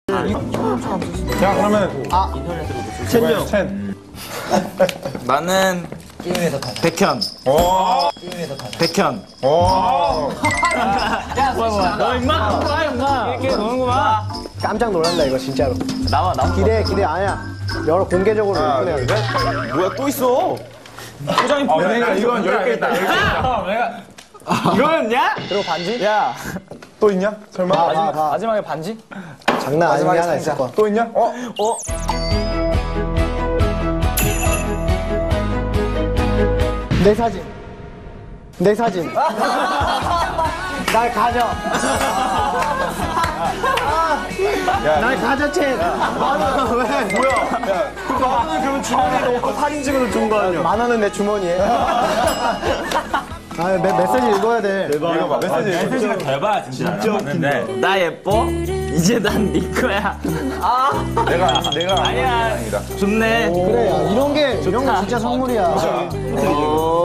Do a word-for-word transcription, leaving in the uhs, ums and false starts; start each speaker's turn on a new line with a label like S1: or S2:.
S1: 야 그러면
S2: 아
S1: 첸 첸.
S3: 나는
S2: 게임에서 가자.
S3: 백현.
S1: 오.
S2: 게임에서 가자.
S3: 백현.
S1: 오.
S2: 야 뭐야 뭐야.
S3: 너 임마 뭐야 임마. 이렇게 노는구만.
S4: 깜짝 놀란다 이거 진짜로.
S3: 나와 나와.
S4: 기대 기대 아니야. 여러 공개적으로
S1: 하나
S4: 오픈해야
S1: 둘
S4: 돼.
S1: 셋.
S3: 뭐야 또 있어. 포장이
S1: 아, 내가 이건 열 개 있다.
S3: 이거였냐?
S4: 그리고 반지?
S3: 야
S1: 또 있냐? 설마?
S4: 봐, 봐, 봐.
S3: 마지막에 반지?
S4: 장난 아닌 게 하나 있을 거야.
S1: 또 있냐? 어?
S3: 어?
S4: 내 사진. 내 사진. 날 가져. 날 가져, 첸.
S1: 만원 왜? 뭐야? 야, 만원을 그러면 주머니에 넣고 사진 찍어서 준 거 아니야?
S4: 만 원은 내 주머니에. 아, 메, 메시지 읽어야 돼.
S1: 읽어봐. 메시지.
S5: 메시지가 대박 진짜. 진짜 웃긴데.
S3: 나 예뻐? 이제 난 네 거야.
S1: 내가 내가
S3: 아니야. 좋네.
S4: 그래, 야, 이런 게, 이런 게 진짜 선물이야.
S3: 어.